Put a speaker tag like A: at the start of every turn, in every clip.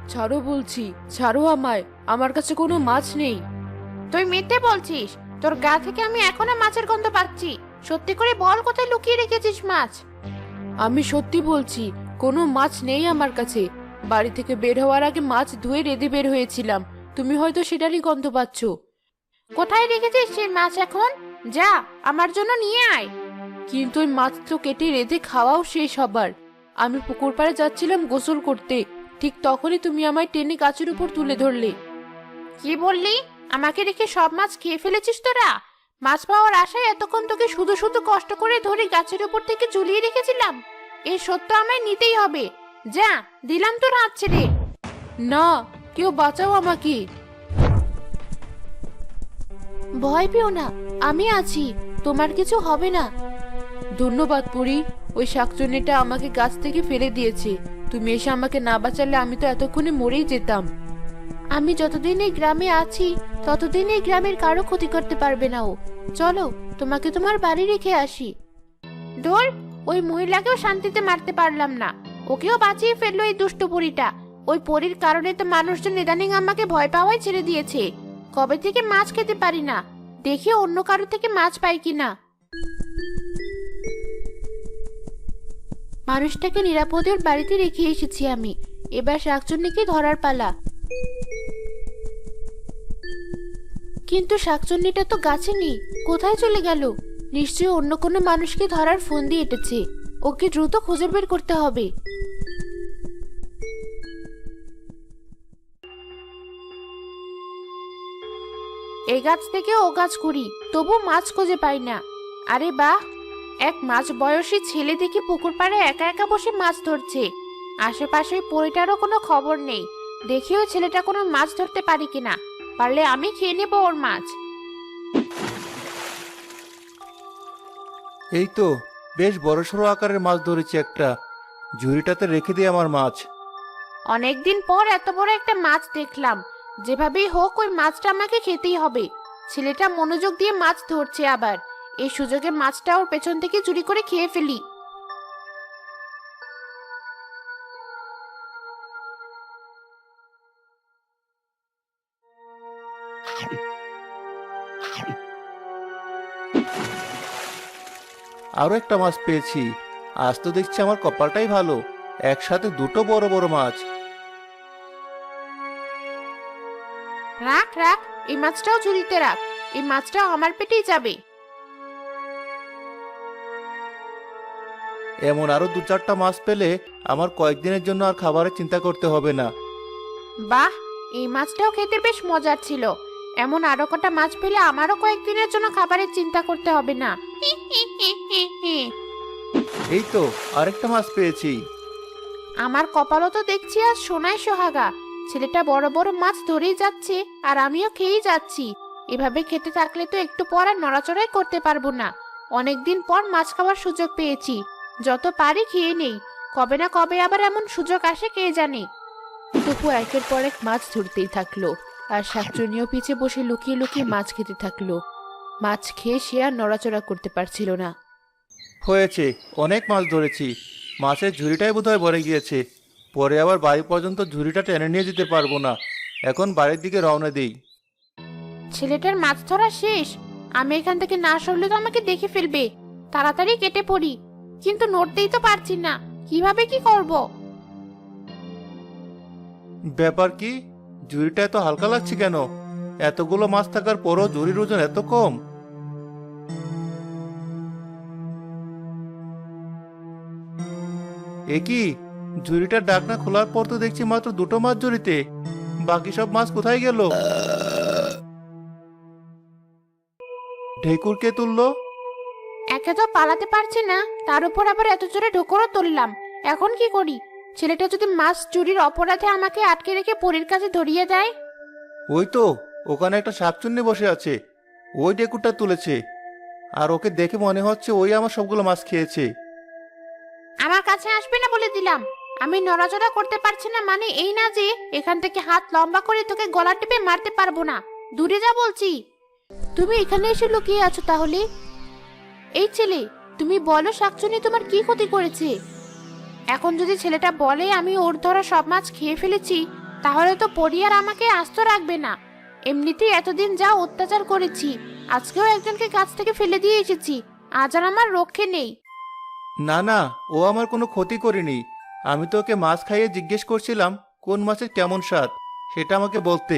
A: ছাড়ো বলছি, ছাড়ো আমায়, আমার কাছে কোনো মাছ নেই।
B: তুই মিথ্যে বলছিস, তোর গা থেকে আমি এখনো মাছের গন্ধ পাচ্ছি। সত্যি করে বল, কোথায় লুকিয়ে রেখেছিস মাছ?
A: আমি সত্যি বলছি, কোনো মাছ নেই আমার কাছে। বাড়ি থেকে বের হওয়ার আগে মাছ ধুয়ে রেঁধে বের হয়েছিলাম, তুমি হয়তো সেটারই গন্ধ পাচ্ছ।
B: কোথায় রেখেছিস সেই মাছ এখন? যা, আমার জন্য নিয়ে আয়।
A: কিন্তু ওই মাছ তো কেটে রেঁধে খাওয়াও শেষ হবার। আমি পুকুর পাড়ে যাচ্ছিলাম গোসল করতে, ঠিক তখনই তুমি আমায় টেনে গাছের উপর তুলে ধরলে।
B: কি বললি? আমাকে রেখে সব মাছ খেয়ে ফেলেছিস তোরা? মাছ পাওয়ার আশায় এতক্ষণ তোকে শুধু শুধু কষ্ট করে ধরে গাছের উপর থেকে ঝুলিয়ে রেখেছিলাম। এই সত্য আমায় নিতেই হবে। যা, দিলাম তোর হাত ছেড়ে।
A: না, কেউ বাঁচাও আমাকে।
B: ভয় পেও না, আমি আছি, তোমার কিছু হবে না।
A: ধন্যবাদ পুরি, ওই শাকচুন্নিটা আমাকে গাছ থেকে ফেলে দিয়েছে। তুমি এসে আমাকে না বাঁচালে আমি তো এতক্ষণে মরেই যেতাম।
B: আমি যতদিন এই গ্রামে আছি ততদিন এই গ্রামের কারো ক্ষতি করতে পারবে না ও। চলো, তোমাকে তোমার বাড়ি রেখে আসি। দূর, ওই মহিলাকেও শান্তিতে মারতে পারলাম না, ওকেও বাঁচিয়ে ফেললো এই দুষ্ট পরীটা। ওই পরীর কারণে তো মানুষজন ইদানিং আমাকে ভয় পাওয়াই ছেড়ে দিয়েছে। কবে থেকে মাছ খেতে পারি না, দেখি অন্য কারো থেকে মাছ পাই কিনা। মানুষটাকে নিরাপদে ওর বাড়িতে রেখে এসেছি আমি। এবার শাকচুন্নিকে ধরার পালা। কিন্তু শাকচুন্নিটা তো গাছে নেই, কোথায় চলে গেল? নিশ্চয়ই অন্য কোনো মানুষকে ধরার ফোন দিয়ে এটেছে। ওকে দ্রুত খুঁজে বের করতে হবে। এই গাছ থেকে ও গাছ করি, তবু মাছ খুঁজে পাই না। আরে বাহ, এক মাছ বয়সী ছেলে দেখি পুকুর পাড়ে একা একা বসে মাছ ধরছে। আশেপাশে পরিটারও কোনো খবর নেই। দেখি ওই ছেলেটা কোনো মাছ ধরতে পারি কিনা, পারলে আমি খেয়ে নেবো ওর মাছ।
C: এই তো বেশ বড়সড় আকারের মাছ ধরেছি একটা। ঝুড়িটাতে রেখে দিই আমার মাছ।
B: অনেকদিন পর এত বড় একটা মাছ দেখলাম। যেভাবেই হোক ওই মাছটা আমাকে খেতেই হবে। ছেলেটা মনোযোগ দিয়ে মাছ ধরছে, আবার এই সুযোগে মাছটা ওর পেছন থেকে চুরি করে খেয়ে ফেলি।
C: আরো একটা মাছ পেয়েছি। আজ তো দেখছি আমার কপালটাই ভালো, একসাথে দুটো বড় বড় মাছ।
B: রাখ রাখ, এই মাছটাও ঝুড়িতে রাখ। এই মাছটাও আমার পেটেই যাবে।
C: এমন আরো দু চারটা মাছ পেলে আমার কয়েকদিনের জন্য আর খাবারের চিন্তা করতে হবে না।
B: বাহ, এই মাছটাও খেতে বেশ মজার ছিল। এমন আরো কটা মাছ পেলে আমারও কয়েকদিনের জন্য খাবারের চিন্তা করতে হবে না।
C: এই তো আরেকটা মাছ পেয়েছি।
B: আমার কপালও তো দেখছি আজ সোনায় সোহাগা। ছেলেটা বড় বড় মাছ ধরেই যাচ্ছে আর আমিও খেয়েই যাচ্ছি। এভাবে খেতে থাকলে তো একটু পর আর নড়াচড়াই করতে পারবো না। অনেকদিন পর মাছ খাওয়ার সুযোগ পেয়েছি, যত পারি খেয়ে নেই। কবে না কবে আবার এমন সুযোগ আসে কে জানে।
A: তপু একের পর এক মাছ ধরতেই থাকলো, আর শাকচুন্নিও পিছে বসে লুকিয়ে লুকিয়ে মাছ খেতে থাকলো। মাছ খেয়ে সে আর নড়াচড়া করতে পারছিল না।
C: হয়েছে, অনেক মাছ ধরেছি। মাছের ঝুড়িটাই বোধহয় ভরে গিয়েছে। পরে আবার বাড়ি পর্যন্ত ঝুড়িটা টেনে নিয়ে যেতে পারবো না। এখন বাড়ির দিকে রওনা দিই।
B: ছেলেটার মাছ ধরা শেষ। আমি এখান থেকে না সরলে তো আমাকে দেখে ফেলবে। তাড়াতাড়ি কেটে পড়ি, কিন্তু নড়তেই তো পারছি না। কিভাবে কি করব?
C: ব্যাপার কি? ঝুড়িটা এত হালকা লাগছে কেন? এতগুলো মাছ থাকার পরও ঝুড়ির ওজন এত কম। এ কি? ঝুড়িটার ঢাকনা খোলার পর তো দেখছি মাত্র দুটো মাছ ঝুড়িতে। বাকি সব মাছ কোথায় গেল? ঢেকুর কে তুললো?
B: একে তো পালাতে পারছি না, তার উপর আবার এত জোরে ঢোকরও তুললাম। এখন কি করি? ছেলেটা যদি মাছ চুরির অপরাধে আমাকে আটকে রেখে পরীর কাছে ধরিয়ে দেয়?
C: ওই তো ওখানে একটা শাকচুন্নি বসে আছে, ওই ঢেকুরটা তুলেছে। আর ওকে দেখে মনে হচ্ছে ওই আমার সবগুলো মাছ খেয়েছে।
B: আমার কাছে আসবে না বলে দিলাম। আমি নড়াচড়া করতে পারছি না মানে এই না যে এখান থেকে হাত লম্বা করে তোকে গলা টিপে মারতে পারবো না। দূরে যা বলছি। তুমি এখানে এসে লুকিয়ে আছো তাহলে? এই ছেলে, তুমি বলো শাকচুন্নি তোমার কি ক্ষতি করেছে? এখন যদি ছেলেটা বলে আমি ওর ধরা সব মাছ খেয়ে ফেলেছি, তাহলে তো পরি আর আমাকে আস্ত রাখবে না। এমনিতেই এতদিন যা অত্যাচার করেছি, আজকেও একজনকে গাছ থেকে ফেলে দিয়ে এসেছি, আজ আর আমার রক্ষে নেই।
C: না না, ও আমার কোনো ক্ষতি করেনি। আমি তো ওকে মাছ খাইয়ে জিজ্ঞেস করছিলাম কোন মাছের কেমন স্বাদ, সেটা আমাকে বলতে।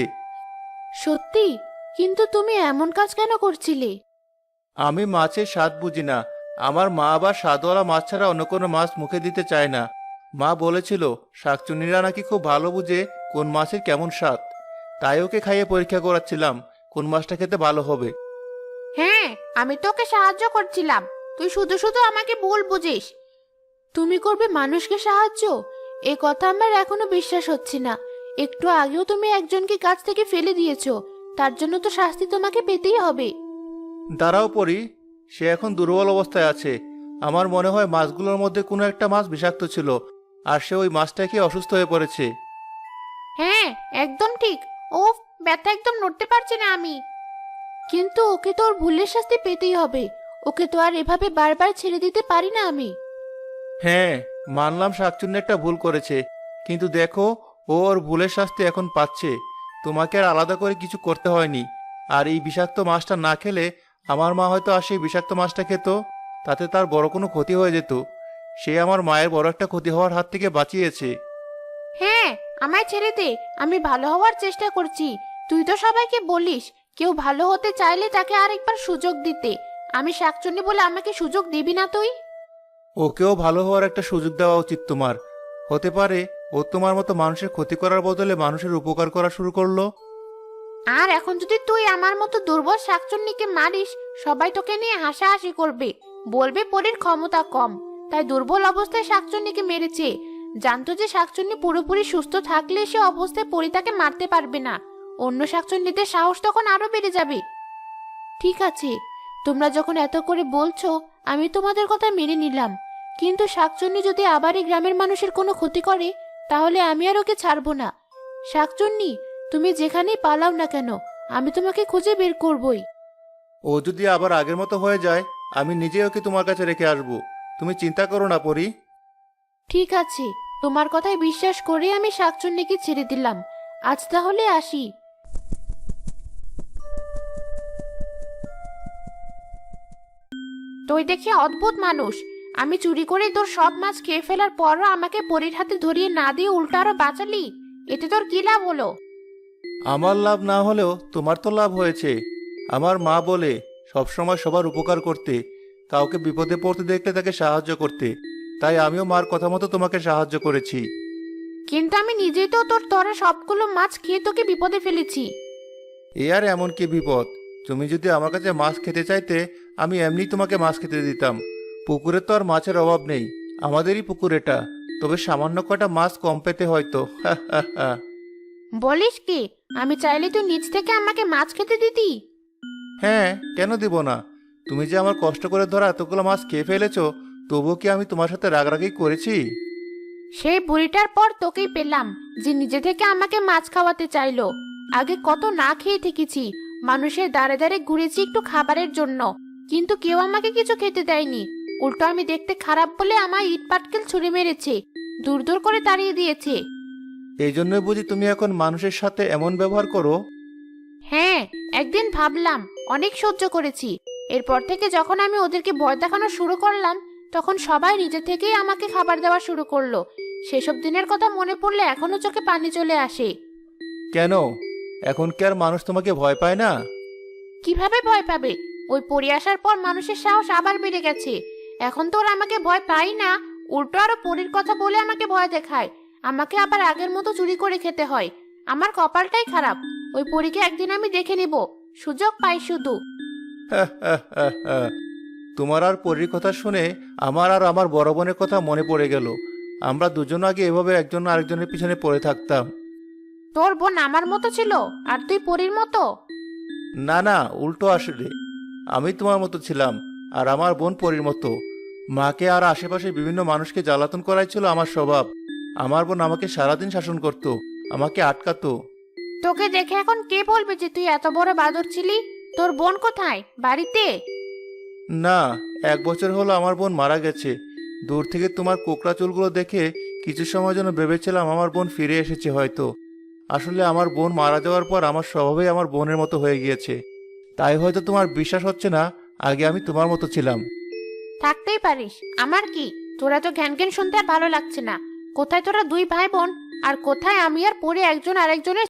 B: সত্যি? কিন্তু তুমি এমন কাজ কেন করছিলে?
C: আমি মাছের স্বাদ বুঝি না। আমার মা আবার স্বাদওয়ালা মাছ ছাড়া অন্য কোনো মাছ মুখে দিতে চায় না। মা বলেছিল শাকচুন্নিরা নাকি খুব ভালো বুঝে কোন মাছের কেমন স্বাদ। তাই ওকে খাইয়ে পরীক্ষা করাচ্ছিলাম কোন মাছটা খেতে ভালো হবে।
B: হ্যাঁ, আমি তোকে সাহায্য করছিলাম, তুই শুধু শুধু আমাকে ভুল বুঝিস। তুমি করবে মানুষকে সাহায্য? এ কথা আমার এখনো বিশ্বাস হচ্ছে না। একটু আগেও তুমি একজনকে গাছ থেকে ফেলে দিয়েছো, তার জন্য তো শাস্তি তোমাকে পেতেই হবে।
C: দাঁড়াও পরি, সে এখন দুর্বল অবস্থায় আছে। আমার মনে হয় মাছগুলোর মধ্যে কোনো একটা মাছ বিষাক্ত ছিল, আর সে ওই মাছটা খেয়ে অসুস্থ হয়ে পড়েছে।
B: হ্যাঁ, একদম ঠিক। ও, ব্যথা, একদম নড়তে পারছি না আমি। কিন্তু ওকে তো ওর ভুলের শাস্তি পেতেই হবে। ওকে তো আর এভাবে বারবার ছেড়ে দিতে পারি না আমি।
C: হ্যাঁ, মানলাম শাকচুন্নি একটা ভুল করেছে, কিন্তু দেখো ও ওর ভুলের শাস্তি এখন পাচ্ছে। তোমাকে আর আলাদা করে কিছু করতে হয়নি। আর এই বিষাক্ত মাছটা না খেলে আমার মা হয়তো আর সেই বিষাক্ত মাছটা খেত, তাতে তার বড় কোনো ক্ষতি হয়ে যেত। সে আমার মায়ের বড় একটা ক্ষতি হওয়ার হাত থেকে বাঁচিয়েছে।
B: হ্যাঁ, আমায় ছেড়ে দে, আমি ভালো হওয়ার চেষ্টা করছি। তুই তো সবাইকে বলিস কেউ ভালো হতে চাইলে তাকে আরেকবার সুযোগ দিতে। আমি শাকচুন্নি বলে আমাকে সুযোগ দিবি না তুই?
C: ওকেও ভালো হওয়ার একটা সুযোগ দেওয়া উচিত তোমার। হতে পারে ও তোমার মতো মানুষের ক্ষতি করার বদলে মানুষের উপকার করা শুরু করলো।
B: আর এখন যদি তুই আমার মতো দুর্বল শাকচুন্নিকে মারিস, সবাই তোকে নিয়ে হাসাহাসি করবে, বলবে পরীর ক্ষমতা কম, তাই দুর্বল অবস্থায় শাকচুন্নিকে মেরেছে। জানতো যে শাকচুন্নি পুরোপুরি সুস্থ থাকলে সে অবস্থায় পরী তাকে মারতে পারবে না। অন্য শাকচুন্নিদের সাহস তখন আরো বেড়ে যাবে। ঠিক আছে, তোমরা যখন এত করে বলছো, আমি তোমাদের কথা মেনে নিলাম। কিন্তু শাকচুন্নি যদি আবার এই গ্রামের মানুষের কোনো ক্ষতি করে, তাহলে আমি আর ওকে ছাড়বো না। শাকচুন্নি, তুমি যেখানেই পালাও না কেন, আমি তোমাকে খুঁজে বের করবই।
C: ও যদি আবার আগের মতো হয়ে যায়, আমি নিজেই ওকে তোমার কাছে রেখে আসবো। তুমি চিন্তা করো না পরি।
B: ঠিক আছে, তোমার কথায় বিশ্বাস করে আমি শাকচুন্নিকে ছেড়ে দিলাম। আজ তাহলে আসি। তুই দেখি অদ্ভুত মানুষ। আমি চুরি করে তোর সব মাছ খেয়ে ফেলার পরও আমাকে পরীর হাতে ধরিয়ে না দিয়ে উল্টো আরো বাঁচালি। এতে তোর কি লাভ হলো?
C: আমার লাভ না হলেও তোমার তো লাভ হয়েছে। আমার মা বলে সবসময় সবার উপকার করতে, কাউকে বিপদে পড়তে দেখলে তাকে সাহায্য করতে। তাই আমিও মার কথা মতো তোমাকে সাহায্য করেছি।
B: কিন্তু আমি নিজেই তো তোর ধরা সবগুলো মাছ খেয়ে তোকে বিপদে ফেলেছি।
C: এ আর এমন কি বিপদ? তুমি যদি আমার কাছে মাছ খেতে চাইতে, আমি এমনি তোমাকে মাছ খেতে দিতাম। পুকুরে তো আর মাছের অভাব নেই, আমাদেরই পুকুর এটা। তবে সামান্য কটা মাছ কম পেতে হয়তো।
B: বলিস কি? আমি চাইলে তুই নিজ থেকে আমাকে মাছ খেতে দিতি।
C: হ্যাঁ, কেন দিব না? তুমি যে আমার কষ্ট করে ধরা এতগুলো মাছ খেয়ে ফেলেছো, তবুও কি আমি তোমার সাথে রাগারাগি করেছি?
B: সেই বুড়িটার পর তোকেই পেলাম, যে নিজে থেকে আমাকে মাছ খাওয়াতে চাইলো। আগে কত না খেয়ে থেকেছি, মানুষের দাঁড়ে দাঁড়ে ঘুরেছি একটু খাবারের জন্য, কিন্তু কেউ আমাকে কিছু খেতে দেয়নি। উল্টো আমি দেখতে খারাপ বলে আমায় ইট পাটকেল ছুঁড়ে মেরেছে, দূর দূর করে তাড়িয়ে দিয়েছে।
C: এই জন্যই বুঝি তুমি এখন মানুষের সাথে এমন ব্যবহার করো?
B: হ্যাঁ, একদিন ভাবলাম অনেক সহ্য করেছি। এরপর থেকে যখন আমি ওদেরকে ভয় দেখানো শুরু করলাম, তখন সবাই নিজে থেকেই আমাকে খাবার দেওয়া শুরু করলো। সেসব দিনের কথা মনে পড়লে এখনো চোখে পানি চলে আসে।
C: কেন? এখন কি আর মানুষ তোমাকে ভয় পায় না?
B: কিভাবে ভয় পাবে? ওই পড়ে আসার পর মানুষের সাহস আবার বেড়ে গেছে। এখন তো ওরা আমাকে ভয় পাই না, উল্টো আরো পরীর কথা বলে আমাকে ভয় দেখায়। আমাকে আবার আগের মতো চুরি করে খেতে হয়। আমার কপালটাই খারাপ। ওই পরীকে একদিন আমি দেখে নিব, সুযোগ পাই শুধু।
C: তোমার আর পরীর কথা শুনে আমার আর আমার বড় বোনের কথা মনে পড়ে গেল। আমরা দুজন আগে এভাবে একজন আরেকজনের পিছনে পড়ে থাকতাম।
B: তোর বোন আমার মতো ছিল আর তুই পরীর মতো?
C: না না, উল্টো আসলে আমি তোমার মতো ছিলাম, আর আমার বোন পরীর মতো। মাকে আর আশেপাশে বিভিন্ন মানুষকে জ্বালাতন করাই ছিল আমার স্বভাব। আমার বোন আমাকে সারাদিন শাসন করত, আমাকে আটকাতো।
B: তোকে দেখে এখন কে বলবে যে তুই এত বড় বাদর ছিলি? তোর বোন কোথায়, বাড়িতে?
C: না, 1 বছর হলো আমার বোন মারা গেছে। দূর থেকে তোমার কোকড়া চুলগুলো দেখে কিছু সময় জন্য ভেবেছিলাম আমার বোন ফিরে এসেছে হয়তো। আসলে আমার বোন মারা যাওয়ার পর আমার স্বভাবই আমার বোনের মতো হয়ে গিয়েছে। তাই হয়তো তোমার বিশ্বাস হচ্ছে না, আগে আমি তোমার মতো ছিলাম।
B: থাকতেই পারিস, আমার কি? তোরা তো জ্ঞান জ্ঞান শুনতে আর ভালো লাগছে না। কোথায় তোরা দুই ভাই বোন, আর কোথায় আমি আর পরে একজন আরেকজনের